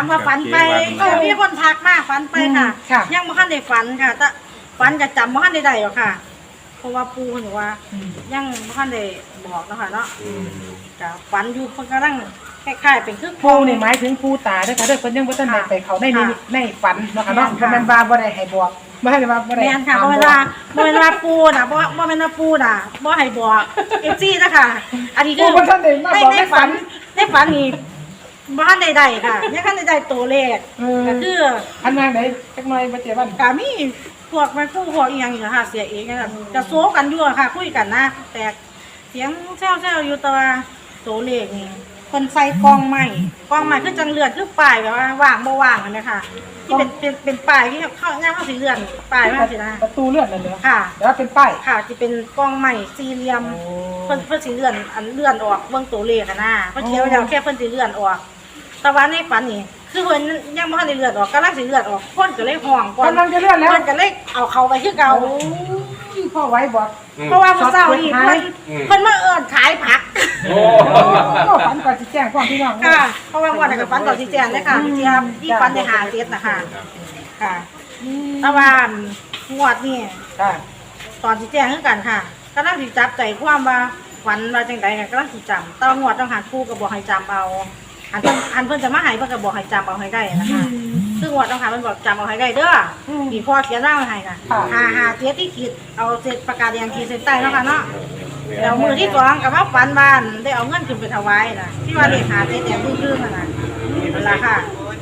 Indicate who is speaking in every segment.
Speaker 1: ามว่าฝันไปมีคนทักมาฝันไปค่ะยังบ่ทันได้ฝันค่ะแต่ฝันก็จำบ่ทันได้หรอกค่ะเพราะว่าปู่เพิ่นบอกว่ายังบ่ทันได้บอกนะคะเนาะก็ฝันอยู่เพิ่นกำลังคล้ายๆเป็นคือ
Speaker 2: ปู่นี่หมายถึงปู่ตาเด้อค่ะเด้อเพิ่นยังบ่ทันได้ไปเขาในฝันเนาะค่ะเนาะบ่แม่นว่าบ่ได้ให้บอกบ่ให้ว่าบ่ได้
Speaker 1: แม่นค่ะบ่แม่นว่าปู่น่ะบ่แม่นว่าปู่น่ะบ่ให้บอก FC นะคะอันนี้คือในฝันนี่บ้านใดๆค่ะยังคันใดๆตัวเลขก็คือ
Speaker 2: อันนั้นไหนจักหน่อยบ่เจ็บบ้าน
Speaker 1: ก็มีพวกมันพวกอีหยังอยู่ค่ะเสียเองค่ะจะโซกันอยู่ค่ะคุยกันนะแต่เสียงแซวๆอยู่ตัวตัวเลขนี่คนใส่กล้องใหม่คือจังเลือดคือป้ายแบบว่าว่างบ่ว่างอันนี้ค่ะที่เป็นป้ายที่เข้าย่างเข้าสีเลือดป้ายว่าสินะ
Speaker 2: ประตูเลื่อนนั่นเหรอ
Speaker 1: ค่ะ
Speaker 2: แล้วเป็นป้าย
Speaker 1: ค่ะจะเป็นกล้องใหม่สี่เหลี่ยมเพิ่นสิเลื่อนอันเลื่อนออกเบิ่งตัวเลขนะเพิ่นเขียนไว้แล้วแค่เพิ่นสิเลื่อนออกแต่ว่าในฝันนี่คือเพิ่นยังบ่ทันได้เลือดออกกำลังสิเลือดออกเพิ่นก็เลยห้องก่อน
Speaker 2: กำลังจะเลื่อนแล้ว
Speaker 1: เพิ่นก็เลยเอาเข้าไปคือเก่า
Speaker 2: พ่อไว้บอก
Speaker 1: เพราะว่ามื้อเช้านี่เพิ่นมาเอิ้นขายผัก
Speaker 2: โอ้ฝันก่อนสิแจ้งพ่อพี่น้อง
Speaker 1: ค่ะเพราะว่าวันนั้นก็ฝันก่อนสิแจ้งเลยค่ะที่ฝันได้หาเจ็ดนะคะค่ะแต่ว่างวดนี่ตอนสิแจ้งคือกันค่ะกำลังสิจับใจความว่าฝันว่าจังได๋ก็กำลังสิจำแต่งวดต้องหาปู่ก็บอกให้จำเอาอันเพิ่นจะมาให้เพิ่นก็บอกให้จำเอาให้ได้นะคะซึ่งงวดต้องหาเพิ่นบอกจำเอาให้ได้เด้อมีพ่อเขียนร่างให้ค่ะหาเจ็ดที่ขีดเอาเศษปากกาแดงขีดเส้นใต้เนาะค่ะเนาะแล้วมือที่2ก็มาฝันบ้านได้เอาเงินขึ้นไปถวายน่ะที่ว่าเลขหาเจ็ดแดงครึ่งๆน่ะนั่นล่ะค่ะ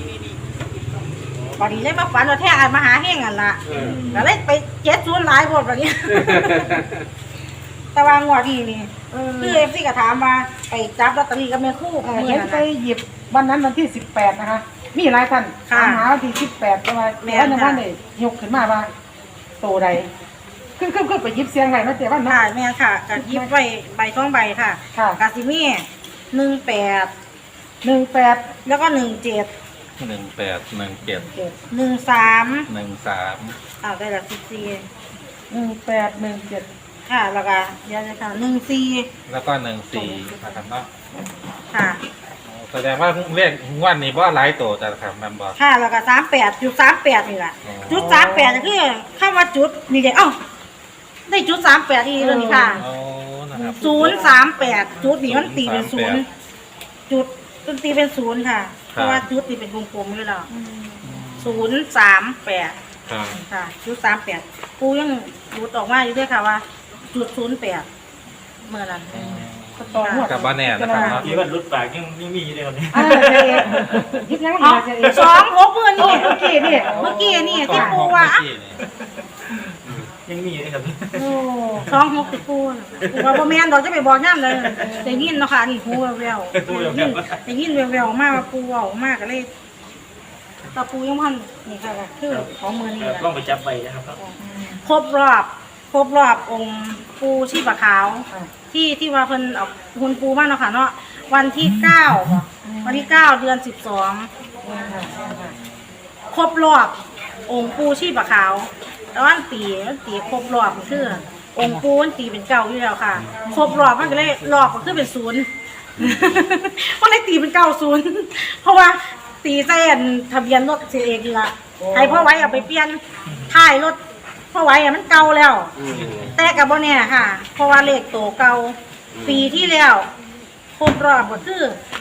Speaker 1: พอดีเลยมาฝันว่าแท้อันมหาเฮงอันละก็เลยไป70หลายโพดบัดนี้แต่ว่างวดนี้คือ FC ก็ถามว่าไปจับลอตเตอรี่กับแม่ครู
Speaker 2: เห็นไปหยิบวันนั้นวันที่18นะคะมีหลายท่านถามหาวันที่18แต่ว่าแม่ท่านได้ยกขึ้นมาว่าโตใดขึ้นไปหยิบเสียงไว้เนาะเจ๊ว่า
Speaker 1: ค่ะแม่ค่ะก็หยิบไว้ใบ2ใบค่ะกสิมี18แล้วก็17 13ได้แล้ว14ค่ะแล้วก็เดี๋ยวนะคะ14
Speaker 3: แล้วก็14นะครับเนาะ
Speaker 1: ค่ะ
Speaker 3: แสดงว่าเลขวันนี้บ่หลายโตแต่ครับมันบ่
Speaker 1: ค่ะแล้วก็38จุด38นี่แหละจุด38ก็คือคำว่าจุดนี่เด้ได้จุด38อีกแล้วนี่ค่ะ
Speaker 3: โอ้นะครับ
Speaker 1: 038จุดนี่มันตีเป็น0จุดมันตีเป็น0ค่ะเพราะว่าจุดนี่เป็นวงกลมอยู่แล้ว038ค่ะจุด38ปูยังรูดออกมาอยู่ด้วยค่ะว่าจุด08เมื่อนั้น
Speaker 3: กับบ้านแน่นะครับเนาะ
Speaker 4: ที่วันรุดปากยังมีอยู่เลยครับ
Speaker 2: ยิบยัง
Speaker 1: ไม่ได้26เมื่อกี้นี่ที่ปูว่า
Speaker 4: ยังมีอยู่เลยครับ
Speaker 1: 26ที่ปูว่าบ่แม่นดอกจะไปบอกย่ำเลยได้ยินเนาะค่ะนี่หูแววได้ยินแววมากว่าปูเว้ามากก็เลยตาปูยังพันนี่ค่ะคือของมือนี่
Speaker 4: ต้องไปจับใบนะครับ
Speaker 1: ครบรอบองค์ปูชีพขาวที่ว่าเพิ่นเอาหุ่นปูมาเนาะค่ะเนาะวันที่9เดือน12ครบรอบองค์ปูชีพขาวแล้ววันตีครบรอบคือองค์ปูมันตีเป็น9อยู่แล้วค่ะครบรอบมันก็เลยรอบก็คือเป็น0มันเลยตีเป็น90เพราะว่าตีเส้นทะเบียนรถเสียเองละให้พ่อไว้เอาไปเปลี่ยนท้ายรถพ่อไว้มันเก่าแล้วแต่กับโบเนี่ยค่ะเพราะว่าเลขโตเก่าปีที่แล้วครบรอบก็คือ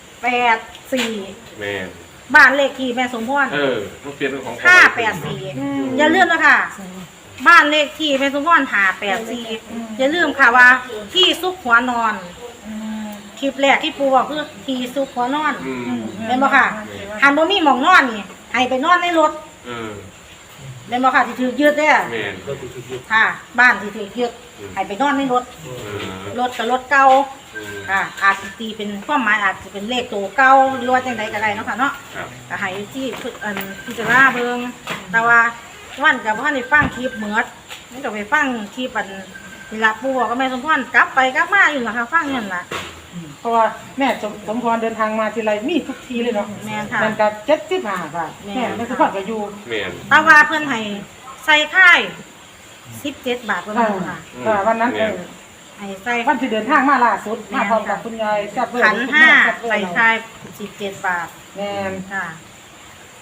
Speaker 1: 84บ้านเลขที่แม่สมพร
Speaker 3: มันเปลี่ยนเป็นของ
Speaker 1: 584อย่าลืมนะคะบ้านเลขที่แม่สมพร584อย่าลืมค่ะว่าที่ซุกหัวนอนคลิปแรกที่ปูบอกคือที่ซุกหัวนอนเห็นบ่ค่ะหันบ่มีหม่องนอนนี่ให้ไปนอนในรถเห็นบ่ค่ะที่ถือยึดเด้อค่ะบ้านที่ถือยึดให้ไปนอนในรถกับรถเก่าค่ะอาจจะตีเป็นความหมายอาจจะเป็นเลขตัวเก่าหรือว่าจังใดก็ได้เนาะค่ะเนาะก็ให้ที่พิจารณาเบิ่งแต่ว่าวันก็บ่ทันได้ฟังคลิปเหมือดมันก็ไปฟังคลิปนี่ล่ะปู่บอกกับแม่สมพรกลับไปกลับมาอยู่ล่ะค่ะฟังนั่นล่ะ
Speaker 2: เพราะว่าแม่สมพรเดินทางมาทีไรมีทุกทีเลยเนาะ
Speaker 1: แม่ค่ะ
Speaker 2: มันก็75บาทแม่สมพรก็อยู่
Speaker 1: แต่ว่าเพิ่นให้ใส่ค่าย17 บาทวันนั้นค่ะ
Speaker 2: วันนั้น
Speaker 1: ให้ใส่
Speaker 2: วันที่เดินทางมาล่าสุดมาพร้อมกับคุณยาย
Speaker 1: ขัน5ใส่ค่าย17 บาท
Speaker 2: แม่
Speaker 1: ค่ะ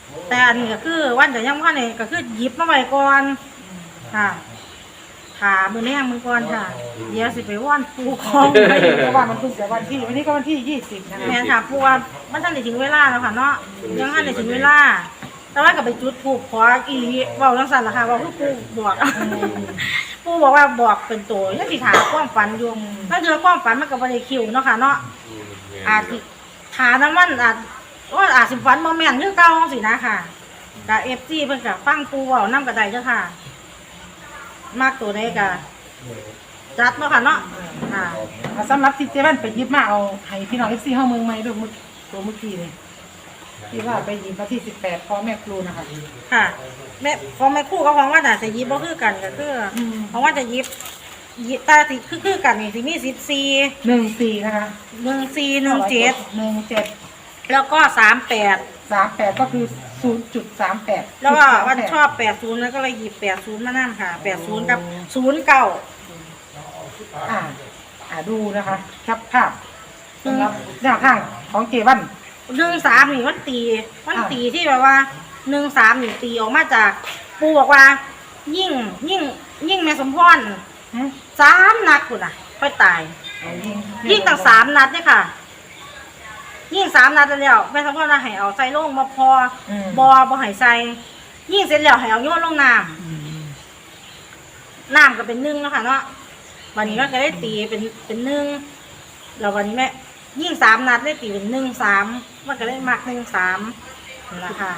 Speaker 1: แต่อันนี้ก็คือวันจะยังว่าเนี่ยก็คือหยิบมาไว้ก่อนค่ะขามือแน่มือก่อนค่ะเดี๋ยวสิไปว่อนปูของ
Speaker 2: เพราะว่ามันเพิ่งจะวันนี้ก็วันที่20นะคะ
Speaker 1: แม่ค่ะปูว่ามันทันได้ถึงเวลาแล้วค่ะเนาะยังทันได้ถึงเวลาแต่ว่าก็ไปจุดถูกขออีเว้าจังซั่นล่ะค่ะเว้าคือปูบอก ปูบอกว่าบอกเป็นตัวยังสิถามความฝันอยู่นั่นคือความฝันมันก็บ่ได้คิวเนาะค่ะเนาะอาจสิถามน้ำมันอาจสิฝันบ่แม่นคือเก่าสินะค่ะกับ FC เพิ่นก็ฟังปูเว้านำก็ได้เด้อค่ะมากตัวใดก็จัดเนาะค่ะเนาะค่ะ
Speaker 2: สำหรับที่เจวันไปหยิบมาเอาให้พี่น้อง FC เฮาเมืองใหม่ด้วยตัวเมื่อกี้นี่ที่ว่าไปหยิบมาที่18พ่อแม่ครูนะคะ
Speaker 1: ค่ะแม่ของแม่ครู่กับของว่าน่ะสิหยิบบ่คือกันก็คือของว่าจะหยิบตาสิคือกันนี่สิมี14
Speaker 2: 14นะคะ
Speaker 1: 14 17แล้วก็38
Speaker 2: 38ก็คือ 0.38
Speaker 1: แล้วก็วันชอบ80แล้วก็เลยหยิบ80มานั่นค่ะ80กับ09
Speaker 2: ดูนะคะครับภาพสำหรับแนวทางของเจวัน
Speaker 1: 13นี่มันตีที่แบบว่า13นี่ตีออกมาจากปูบอกว่ายิ่งแม่สมพร3นัดพุ่นน่ะค่อยตายยิ่งตั้ง3นัดเนี่ยค่ะยิ่ง3นัดแล้วแม่สมพรว่าให้เอาใส่ลงมาพบ่ให้ใส่ยิ่งเสร็จแล้วให้เอาโยนลงน้ำก็เป็น1แล้วค่ะเนาะวันนี้ก็ได้ตีเป็น1แล้ววันนี้แม่ยิ่ง3นัดได้ตีเป็น1-3มันก็ได้มัก1-3นี่ล่ะค่ะ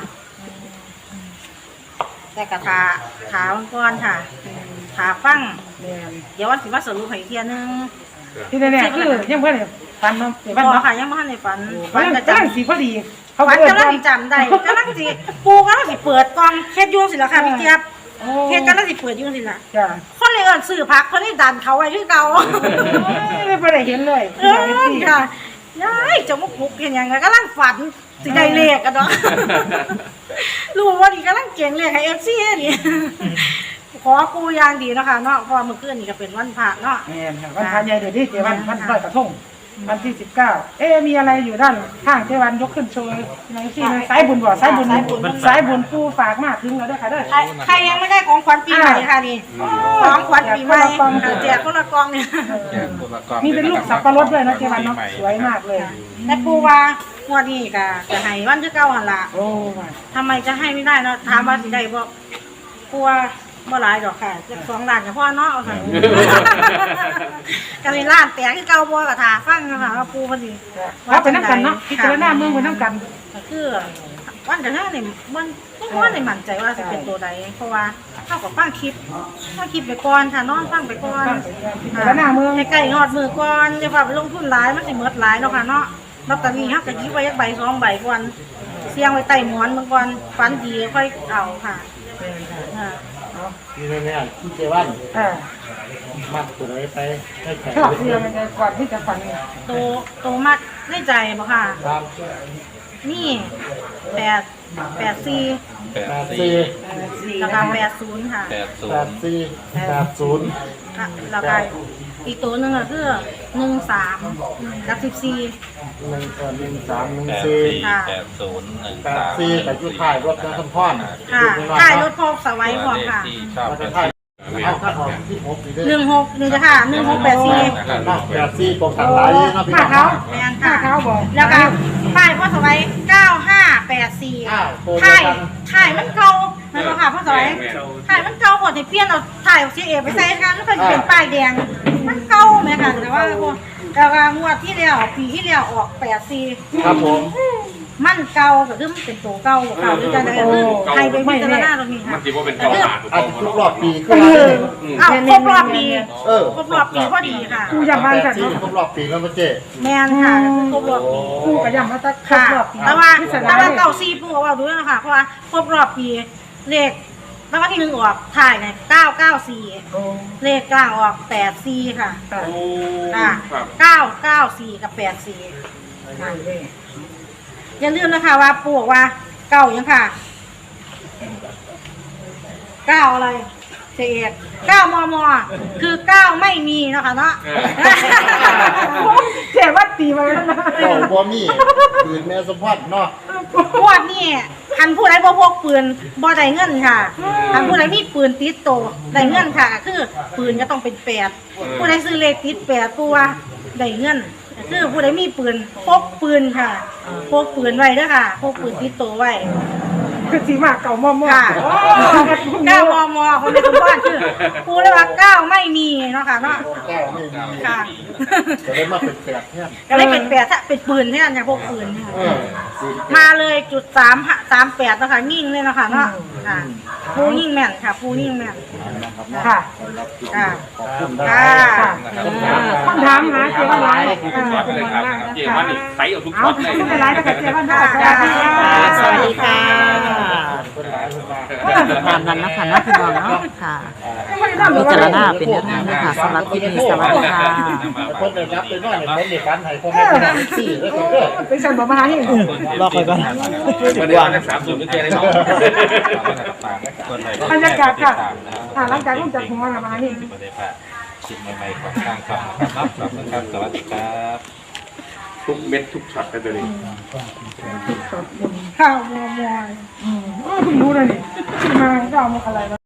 Speaker 1: แต่กระถาก่อนค่ะถาฟังเดี๋ยววันสิมาสรุปให้เที่ยนึง
Speaker 2: ที่แน่ๆคือยังเพื่อนฟันเนาะเจวัน
Speaker 1: บ่
Speaker 2: เนาะ
Speaker 1: ค่ะยังบ่ทันได้ฝัน
Speaker 2: ฟัน
Speaker 1: ก็
Speaker 2: กำลังสีพอดีเขา
Speaker 1: ฝัน
Speaker 2: เปิด
Speaker 1: กำลังสิจำได้กำลังสิปูกำลังสิเปิดกล่องเฮ็ดอยู่สิล่ะค่ะพี่เจี๊ยบเฮ็ดกำลังสิเปิดอยู่สิล่ะ
Speaker 2: จ้ะ
Speaker 1: คนเลยเอิ้นซื้อผักคนนี้ดันเขาไว้คือเก่า
Speaker 2: ไม่ได้เห็นเลย
Speaker 1: ค่ะยายจะมาปลุกเห็นยังไงกำลังฝันสิได้เลขกันเนาะรู้ว่านี่กำลังเก่งเลขให้ FC นี่ขอปูอย่างดีเนาะค่ะเนาะเพราะเมื่อคืนนี่ก็เป็นวันพระเนาะ
Speaker 2: แม่นค่ะวันพระใหญ่เดี๋ยวนี้เจวันวันลอยกระทงวันที่19มีอะไรอยู่ด้านข้างเจวันยกขึ้นโชว์ในที่สายบุญบ่สายบุญผู้ฝากมาถึงแล้วด้วยค่ะเด้อ
Speaker 1: ใครยังไม่ได้ของขวัญปีใหม่ค่ะนี่ของขวัญปีใหม่แจกคนละกล่องเนี่ย
Speaker 2: มีเป็นลูกสับปะรดด้วยนะเจวันเนาะสวยมากเลย
Speaker 1: แต่ปูว่างวดนี้ก็จะให้วันที่เก้าหั่นล่ะ
Speaker 2: โอ้
Speaker 1: ทำไมจะให้ไม่ได้เนาะถามว่าสิได้บ่ปูว่าบ่หลายดอกค่ะจะ2ล้านก็พอเนาะเอาค่ะก็เลยล้านแตกคือเก่าบ่ก็ท่าฟังนะคะว่าปูเพิ่นสิ
Speaker 2: ว่าเป็นน้ำกันเนาะพิจารณาเมืองเป็นน้ำกัน
Speaker 1: ก็คือวันกันหน้านี่มันบ่ได้มั่นใจว่าสิเป็นตัวใดเพราะว่าเฮาก็ฟังคลิปไปก่อนค่ะนอนฟังไปก่อน
Speaker 2: พิจารณาเมือง
Speaker 1: ใกล้ๆฮอดมือก่อนอย่าว่าไปลงทุนหลายมันสิหมดหลายเนาะค่ะเนาะลอตเตอรี่เฮาก็หยิบไว้จักใบ2ใบก่อนเสี่ยงไว้ใต้หมอนเบิ่งก่อนฝันดีค่อยเอาค่ะอ่า
Speaker 4: ที่แน่ๆที่เจวัน มัดตัวไหนไปให้แข็ง
Speaker 2: ชอบเรียนยังไงก่อนที่จะฟัง
Speaker 1: โตมักในใจบ่ค่ะ
Speaker 4: ครับ
Speaker 1: นี่84
Speaker 4: 84
Speaker 1: แล้วก็80ค่ะ
Speaker 4: 84
Speaker 1: แล้วก็อีกตัวหนึงก็คือ13กับ14
Speaker 4: 1314
Speaker 1: ค่ะ
Speaker 4: 84แต่ยุคท้ายรถนะท่านพ่อน
Speaker 1: ค่ะถ่ายรถพกสไว้พร้อมค่ะ
Speaker 3: ที่ชอบ
Speaker 4: แล้ว
Speaker 3: เป็
Speaker 4: ก็
Speaker 3: น
Speaker 4: ท้ายเอาถ้าออกที่6นี่เด้อ
Speaker 1: 16นี่จ้ะค่ะ1684
Speaker 4: 84ตรงกันหลายเนาะพี่
Speaker 2: ผ้า
Speaker 4: น้อง
Speaker 2: เขา
Speaker 1: แม่น
Speaker 2: ผ้า
Speaker 1: ค่ะ
Speaker 2: เขาบอก
Speaker 1: แล้วก็ป้ายพ่อสวัย9584ถ่ายมันเก่าแม่นบ่ค่ะพ่อสวัยถ่ายมันเก่าหมดให้เปลี่ยนเอาถ่ายเสียเอไปใส่ค่ะมันก็สิเป็นป้ายแดงมันเก่าแม่ค่ะแต่ว่าแล้วก็งวดที่แล้วปีที่แล้วออก84
Speaker 4: ครับผม
Speaker 1: มันเก่าก็คือมันเป็นตัวเก่าเก่าหรือจังได๋คือใครไปพิจารณาตรงนี้ค่ะ
Speaker 5: มันคิดว่าเป็นเกาหาถูก
Speaker 4: อั
Speaker 5: ต้
Speaker 4: น
Speaker 5: อง
Speaker 4: ทุกรอบปีคือ
Speaker 1: อ้าวครบรอบปี
Speaker 4: เออ
Speaker 1: ครบรอบปีพอดีค่ะ
Speaker 2: กูยำบ้านกัน
Speaker 4: ครบรอบปีแล้วมาเจ๊
Speaker 1: แม่นค่ะครบรอบปี
Speaker 2: กูกระยำมาตั้งครบ
Speaker 1: ค่ะ
Speaker 2: รอบปี
Speaker 1: แต่ว่า
Speaker 2: พิจารณาเลย
Speaker 1: เก่าซีปูเอาดูนะคะเพราะว่าครบรอบปีเลขแล้ววันที่1ออกถ่ายเนี่ย994
Speaker 2: โอ้
Speaker 1: เลขกลางออก84ค่ะ
Speaker 2: ตาย
Speaker 1: ค่ะ
Speaker 5: ครับ
Speaker 1: 994กับ84
Speaker 2: ตายเลย
Speaker 1: อย่าลืมนะคะว่าปูบอกว่าเก้ายังค่ะ9อะไรเจ๊เอก9มมคือ9ไม่มีเนาะคะเนาะ
Speaker 2: เจ๊วัดตีมาแล้วนะ
Speaker 4: เจ้าบ่มีปืนแม่สมพรเนาะ
Speaker 1: งวดนี่คันผู้ใดบ่พกปืนบ่ได้เงินค่ะคันผู้ใดมีปืนติดตัวได้เงินค่ะคือปืนก็ต้องเป็น8ผู้ใดซื้อเลขติด8ตัวได้เงินคือผู้ใดมีปืนพกปืนค่ะพกปืนไว้เด้อค่ะพกปืนติดตัวไว้
Speaker 2: คือสีมากเก่ามอม
Speaker 1: ค่ะ9 มมคนในทุกบ้านคือครูเลยว่า9ไม่มีเนาะค่ะเนาะ
Speaker 4: แก้วไม่มี
Speaker 1: ค่ะ
Speaker 4: จะได้มาเป็นแปดเนี่ย
Speaker 1: ก็เลยเป็น8ถ้าเป็นปืนเนี่ยอย่างพวกปืนเนี่ย
Speaker 4: สี่
Speaker 1: มาเลยจุด338นะคะยิ่งเลยเนาะค่ะเนาะค่ะปูยิ่งแม่นค่ะปูยิ่งแม่น
Speaker 2: ค่ะ
Speaker 1: ค่ะ
Speaker 4: ขอบคุณ
Speaker 1: ค่ะ
Speaker 2: คำถามหาเจ้าวันไร
Speaker 5: เจวันนี่ใส่เอาทุก
Speaker 2: เอา
Speaker 5: ช็อต
Speaker 2: ขอบ
Speaker 5: เลย
Speaker 2: คุณหลายๆนะคะเจ้าวันไร
Speaker 6: สวัสดีค่ะ
Speaker 4: คนหลายคนมา
Speaker 6: ตามนั้นนะคะนะพี่น้องเนาะค่ะพิจารณาเป็นแนวทางด้วยค่ะสำหรับคลิปนี้สวัสดีค่ะ
Speaker 4: คนได้รับเป็นว่าในคนเด็กกันให้คนไม่ได้สี่ด้วยกันเด้อ
Speaker 2: เป็นสันบอกมาหาเอง
Speaker 6: รอคอยก่อน
Speaker 3: วันนี้วัน30ไม่เจอได้หรอก
Speaker 2: บรรยากาศค่ะหลังจากลงจากหัวมาหาเอง
Speaker 3: ไม่ได้พลาดชิมใหม่ๆของทางครับนะครับขอบคุณครับสวัสดีครับ
Speaker 5: ทุกเม็ดทุกช็อตกันเลย
Speaker 2: ข้าวมอมอยเพิ่งรู้เลยนี่มาข้าวมาอะไร